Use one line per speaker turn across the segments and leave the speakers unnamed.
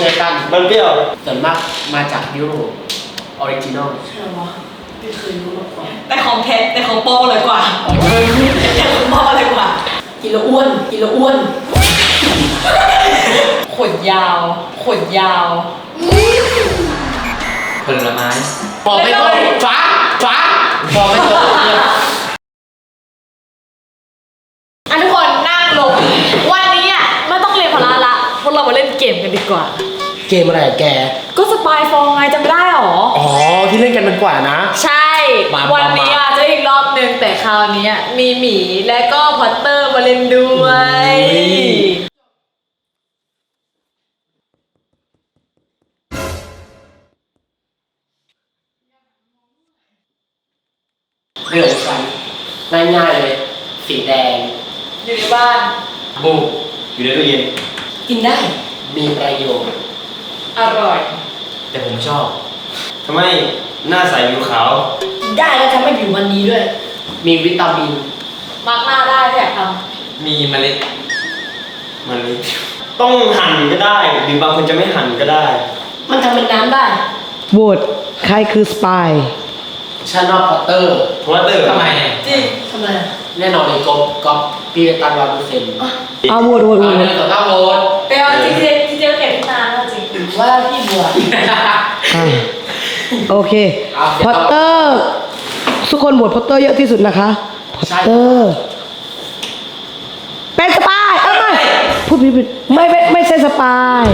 ช่วยกัน
มันเปรี้ยว
ส่วนมากมาจากยุโรปออริจินอล
ใช่หรอไม่เคยรู้มาก่อน
แต่ของแท้แต่ของปลอมอร่อยกว่าแต่ของปลอมอร่อยกว่า
กินแล้วอ้วนกินแล้วอ้วน
ขนยาวขนยาว
ผลไม้
บอกไม่ตรงฟ้าบอกไม่ตรง
ทุกคนนั่งลงวันนี้อ่ะไม่ต้องเรียนพละละพวกเรามาเล่นเกมกันดีกว่า
เกมอะไรแก
ก็สปายฟองไงจำไม่ได้หรอ
อ๋อที่เล่นกันมันกว่านะ
ใช่วันนี้อาจจะอีกรอบนึงแต่คราวนี้มีหมีและก็พอตเตอร์มาเล่นด้วย
เรื่องกันง่ายๆเลยสีแดง
อยู่ในบ้าน
บูอยู่ในตู้เย็น
กินได้
มีประโยชน์
อร่อย
แต่ผมชอบ
ทำไมหน้าใสผิวขาว
กินได้แล้วทำให้ผิวมันดีด้วย
มีวิตามิน
มาร์กหน้าได้ถ้าอยากท
มีเมล็ด
ต้องหั่นก็ได้หรือบางคนจะไม่หั่นก็ได้
มันทำเป็นน้ำได้
โหวตใครคือสปาย
ฉันว่าพอตเตอร์
ทำไม
จริง
ทำไม
แน่นอนเลยก๊อปพี่ตัน100%
เอาโหวต
ต่อหน้าโหวต
แต่เอาจริงเก็บที่นานจริง
ว่าพี่บัว
โอเคพอตเตอร์ทุกคนโหวตพอตเตอร์เยอะที่สุดนะคะพอตเตอร์เป็นสปายพูดผิดไม่ใช่สปาย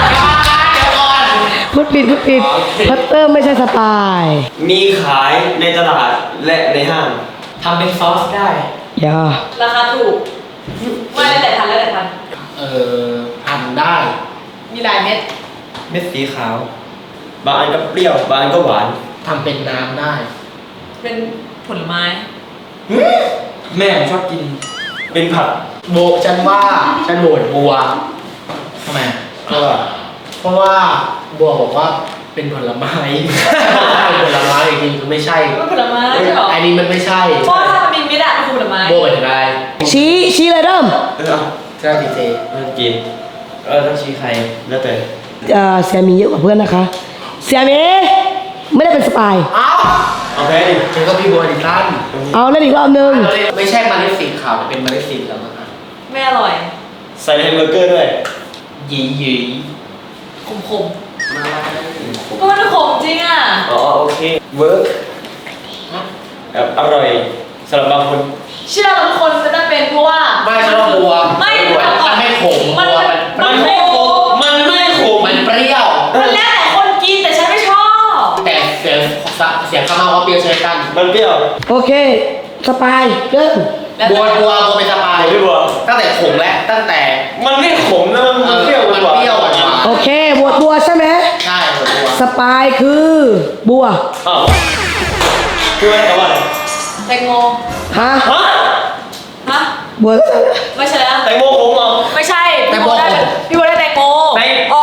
พูดผิดพอตเตอร์ไม่ใช่สปาย
มีขายในตลาดและในห้าง
ทำเป็นซอสได้
อย่า
ราคาถูกไม่แล้วแต่ทัน
หั่นได้
มีหลายเม็ด
สีขาวบางอันก็เปรี้ยวบางอันก็หวาน
ทำเป็นน้ำได้
เป็นผลไม้
แม่ผมชอบกิน
เป็นผัก
โบฉันโหวตบัว
ทำไม
เพราะว่าบัวบอกว่าเป็นผลไม้ผลไม้จริงๆไม่ใช่
เป็นผลไม้ใช่หรอ
อันนี้มันไม่ใช่
เพราะถ้ามันมีเม็ดมันคือผลไม้
บัวเป็นอะไร
ชี้เลยเริ่ม
ใช่ดีเจ
กินต้องชี้ใครแล้วแต่
เสียมีเยอะกว่าเพื่อนนะคะเสียมีไม่ได้เป็นสปาย
เอาแพ้ดิ
ฉันก็พี่บัวดิท่าน
เอาเล่นอีกรอบนึง
ไม่ใช่เมล็ดสีขาวแต่เป็นเมล็ดสีแล้วนะครับ
ไม่อร่อย
ใส่แฮมเบอร์เกอร์ด้วย
ยี
ขมก็มันขมจริงอ่ะ
โอเคเวิร์กอร่อยสำหรับบางคน
เชื่อบางคนจะได้เป็นเพราะว่า
ไม่ใช่ว่าบัว
ไม่
มันไม่ขม
มันไม่ขม
มันเปรี้ยว
มันแล้วแต่คนกินแต่ฉันไม่ชอบ
แต่เสียงข้างนอกว่าเปรี้ยวใช่กัน
มันเปรี้ยว
โอเคสปายเริ่ม
บัวเป็นสปาย
พี่บัว
ตั้งแต่ขมแล้วตั้งแต่
มันไม่ขมนะมันเปรี้ยว
หวาน
โอเคบัวใช่ไหม
ใช่บัว
สปายคือบัว
คืออะไรกันวะ
แตงโม
ฮะบัว
ไม่ใช่แล้ว
แตงโมขมเหรอ
ไม่ใช่พี่บัวได้แตงโมอ๋อ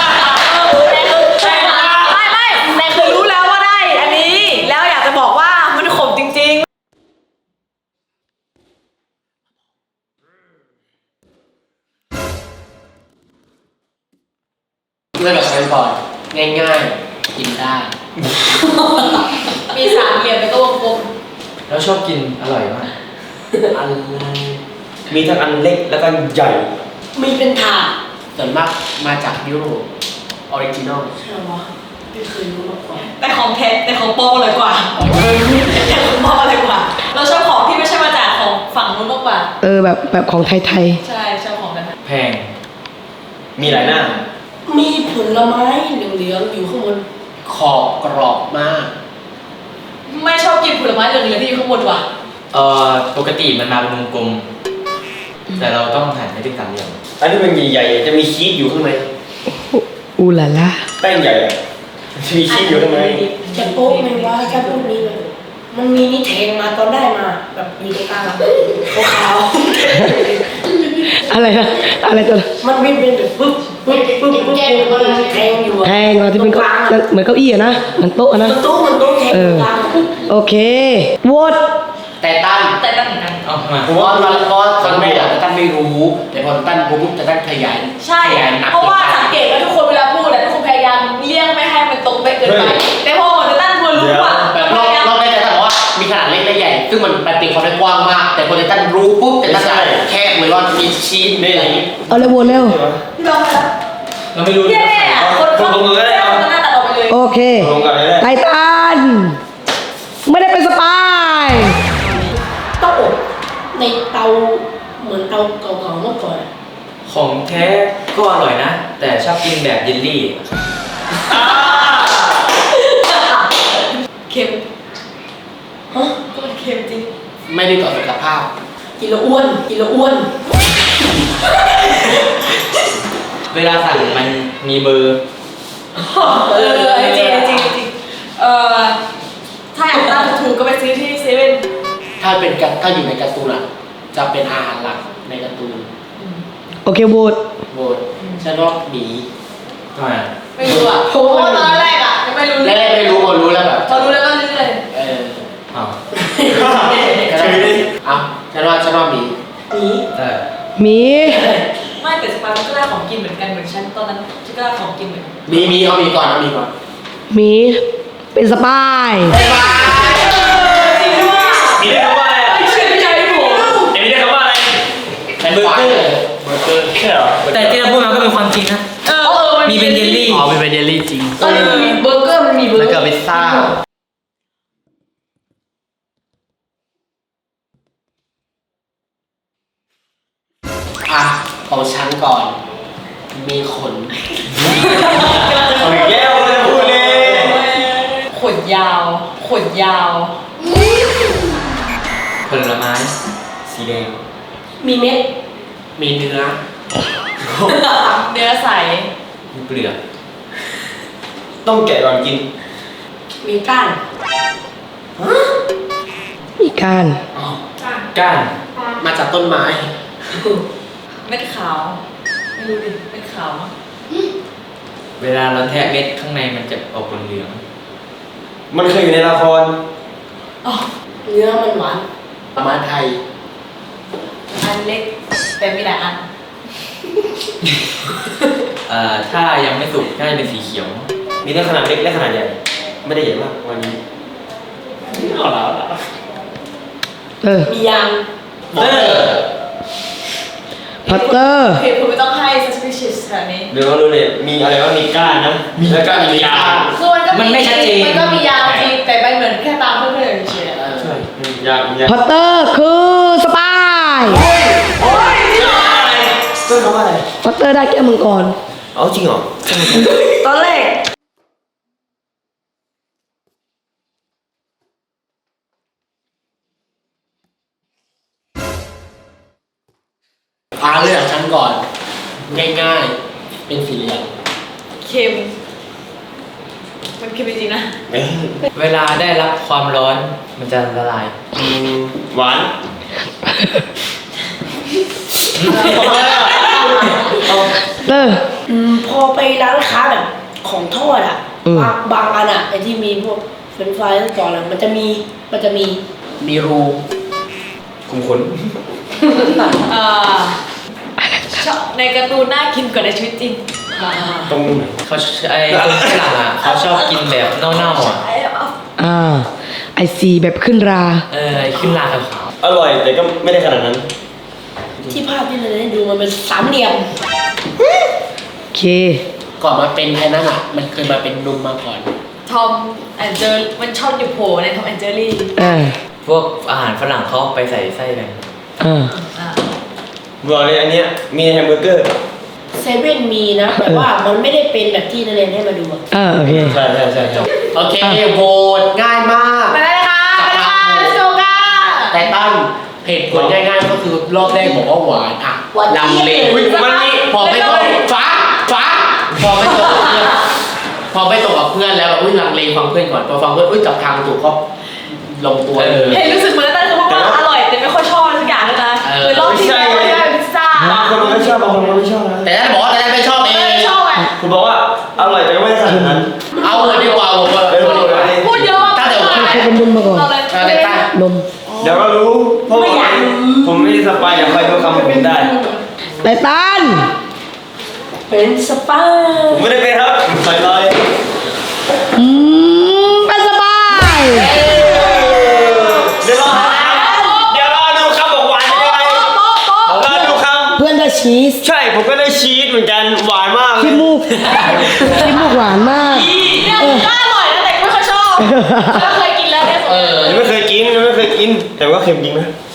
แต่คือรู้แล้วว่าได้อันนี้แล้วอยากจะบอกว่ามันขมจริงๆ
เลือกแบบก่อนง่ายๆกินได้
มีสามเหลี่ยมเป็นตัววงกลม
แล้วชอบกินอร่อยมาก
อัน
มีทั้งอันเล็กแล้วก็ใหญ่
มีเป็นถาด
ส่วนมากมาจากยุโรปออริจินอล
ใช่หรอไม่เคยรู้มาก่อน
แต่ของแท้แต่ของปลอมอร่อยกว่าแต่ของปลอมอร่อยกว่าเราชอบของที่ไม่ใช่มาจากของฝั่งนู้นมากกว่า
แบบของไทย
ใช่ชอบของนั้น
แพง
มีหลายหน้า
มีผลไม้เหลืองๆอยู่ข้างบน
ขอบกรอบมาก
ไม่ชอบกินผลไม้เหลืองๆที่อยู่ข้างบนว่ะ
ปกติมันมาเป็นวงกลมแต่เราต้องหั่นให้เป็นสามเหลี่ยม
อันนี้มันใหญ่ๆจะมีชีสอยู่ข้างใน
อูล่ะล่ะ
แป้งใหญ่มีชีสอยู่ข้างใน
จะโป๊ะไหมว่าแค่พวกนี้เลยมันมีนี่แทงมาตอนได้มาแบบอยู่ตรงกลางขาว
อะไรนะอะไรตัว
มันวิ่งเป็นแบบปึ๊บแทงอยู่
แทงที่เป็นเหมือนเก้าอี้นะมันโต๊ะนะ
มันโต๊ะแทง
โอเคโหวต
แต่ตั้น
เหมือนกัน
เพราะตอนแรกแต่ตั้นไม่รู้แต่พอตั้นปุ๊บแต่ตั้นขยาย
ใช่เพราะว่าสังเกตว่าทุกคนเวลาพูดนไปแต่พอโปเตตันทัวร์รู้อ่ะ
แบบรอบแรกแต่บอกว่ามีขนาดเล็กและใหญ่ซึ่งมันเป็นความได้กว้างมากแต่โปรเตตันรู้ปุ๊บแต่ละจะแคบเลยว่ามีชีสมีอะไรอย่างงี้
เอาเลยโหวตเร็ว
พี่ลองไปแล้ว
เราไม่รู้
แย่คนเขาคนหน้าตัดออกไปเลย
โอเค
ลงกันเลย
ไททันไม่ได้เป็นสปาย
ต้องอบในเตาเหมือนเตาเก่าๆเมื่อก่อน
ของแท้ก็อร่อยนะ แต่ชอบกินแบบเยลลี่
เค็ม
ฮะ
ก็มันเค็มจริง
ไม่ได้ต่อสุขภาพ
กินแล้วอ้วนกินแล้วอ้วน
เวลาสั่งมันมีเบอร์
จริงจริงจริงถ้าอยากได้ถูกก็ไปซื้อที่เซเว่น
ถ้าอยู่ในการ์ตูนอ่ะจะเป็นอาหารหลักในการ์ตูน
โอเคโหวต
โบดฉันว่าหมี
ทำไม
ไม่รู้อ่ะเพราะว่าตอนแรกอ่ะยังไม่รู้
แรกๆไม่รู้พอรู้แล้วแบบ
พอรู้แล้วก็ลื้อเลย
อ้าว
เอาฉันว่าหมี
นี้
ได้
หมี
ไม่แต่สปามันก็ได้ของกินเหมือนกันเหมือนฉันตอนนั้นฉันก็ได้ของกินเหมือนกัน
มีเอามีก่อน
หมีเป็นสปาย
จริงด้วย
มีได้คำว่าอะไรอ่ะ
ไม่เชื่อใจผม
มีได้คำว่าอะไร
เป็นเบอร์เกอร์
ใช่เหรอ
แต่ที่เราพูดมาก็เป็นความจริงนะ มีเป็นเยลลี่
อ๋อเป็นเยลลี่จริง
ตอนนี้มันมีเบอร์เกอร์มันมีเบอร์
แล้วก็พิซซ่าอ่ะของฉันก่อน มีขน
เอาอีกแล้วไม่ได้พูดเลย
ขนยาวขนยาว
ผลไม้ สีแดง
มีเม็ด
มีเนื้อ
เนื้อใส
มีเปลือก
ต้องแกะก่อนกิน
มีก้าน
มีการ
ก้าน
มาจากต้นไม้
เม็ดขาวไม่รู้ดิเม็ดขาวมั้ง
เวลาเราแทะเม็ดข้างในมันจะออกเหลือง
มันเคยอยู่ในละคร
อ๋อ
เนื้อมันหวาน
ประมาณไทย
อันเล็กแต่มีหลายอัน
ถ้ายังไม่สุกน่าจะเป็นสีเขียว
มีทั้งขนาดเล็กและขนาดใหญ่ ไม่ได้ใหญ่มากวันนี้
เอาแล้ว
มียาง
เออ
พอตเตอร์
เหตุผลไม่ต้องให้ suspicious แถวนี้
เดี๋ยวเรารู้เลยมีอะไรว่ามีก้านนะแล้วก็มียาง
คือมันก็
มันไม่ชัดเจน
มันก็มียาวจริงแต่มันเหมือนแค่ตามเพื่อนๆเฉยๆ
ใช่ยางยาง
พอตเตอร์คือสปาย
เรื่องคำว่าอะไร
พอตเตอร์ได้แก้วมังกร
เอาจริงเหรอ
ตอนแรก
เลือกฉันก่อน ง่ายๆ เป็นสีเหลือง
เค็ม มันเค็มจริงๆนะ
เวลาได้รับความร้อนมันจะละลาย
หวาน
เตอร์
พอไปร้านค้าแบบของทอดอ่ะ
อืม
บางอันอ่ะไอที่มีพวกเฟรนช์ฟรายทั้งก่อนอ่ะมันจะมี
มีรู
คุมขน
ชอบในการ์ตูนน่ากินกว่าในชีวิตจริง
ตรงไหน
เขาคนฝรั่งอ่ะเขาชอบกินแบบเน่าๆอ่ะ
ไอซีแบบขึ้นรา
ขึ้นราขาว
อร่อยแต่ก็ไม่ได้ขนาดนั้น
ที่ภาพที่เราได้ดูมันเป็นสามเหลี่ยม
โอเค
ก่อนมาเป็นไอ้นั่นอ่ะ มันเคยมาเป็นนุ่มมาก่อน
ทอมแอนเจอร์มันชอบอยู่โผล่ในทอมแอนเจอรี่
พวกอาหารฝรั่งเขาไปใส่ไส้กัน
บอกเลยอันเนี้ยมีแฮมเบอร์เกอร์
เซเว่นมีนะ แต่ว่ามันไม่ได้เป็นแบบที่นักเรียนให้มาดูอะ
โอเค
ใช่ใช่ใช่ใช่
โอเคโหวตง่ายมาก
มาได้เลยค่ะมาเลยค่ะ let's go ค่ะ
แต่ตั้งเหตุผลง่ายๆ ก็คือรอบแรกบอกว่าหวานอ่ะลังเล
อุ๊ยมันนี่
พอไม่ตกฟ้าพอไม่ตกกับเพื่อนพอไม่ตกกับเพื่อนแล้วแบบลังเลฟังเพื่อนก่อนพอฟังเพื่อนจับทางถูกก็ลงตัวเลย
เห็นรู้สึกเหมือนตั้งเขาพูดว่าอร่อยแต่ไม่ค่อยชอบทุกอย่างเลยนะคือรอบที่แล้วไม่ได้พิซซ่า
บางคนมันไม่ชอบบางคนมันไม่ชอบนะ
แต่ถ้าบอกว่าแต่ไม่ชอบเอง
ไม่ชอบอ่ะ
ผมบอกว่าอร่อยแต่ก็ไม่ได้ขนาดนั้น
เอาเลยดีกว่าผมว่า
พูดเยอะมาก
ตั้งแต่วัน
เคยเป็นนุ่มมาก่อน
เราเลย
แต่ตั้ง
นม
เดี๋ยวก็รู้เพราะผมไม่ได้สปายอย่าคอยดูคำผมได้
ไททัน
เป็นสปา
ผมไม่ได้เป็นครับใส่ลอย
อืมชีส
ใช่ผมก็ได้ชีสเหมือนกันหวานมากเลย
ขี้มูกขี้มูกหวานมาก
เนี่ยก็อร่อยนะแต่ไม่ค่อยชอบก็เคยกินแล้วเนี่ย
เออ
ยังไม่เคยกินแต่ว่าเค็มจริงนะ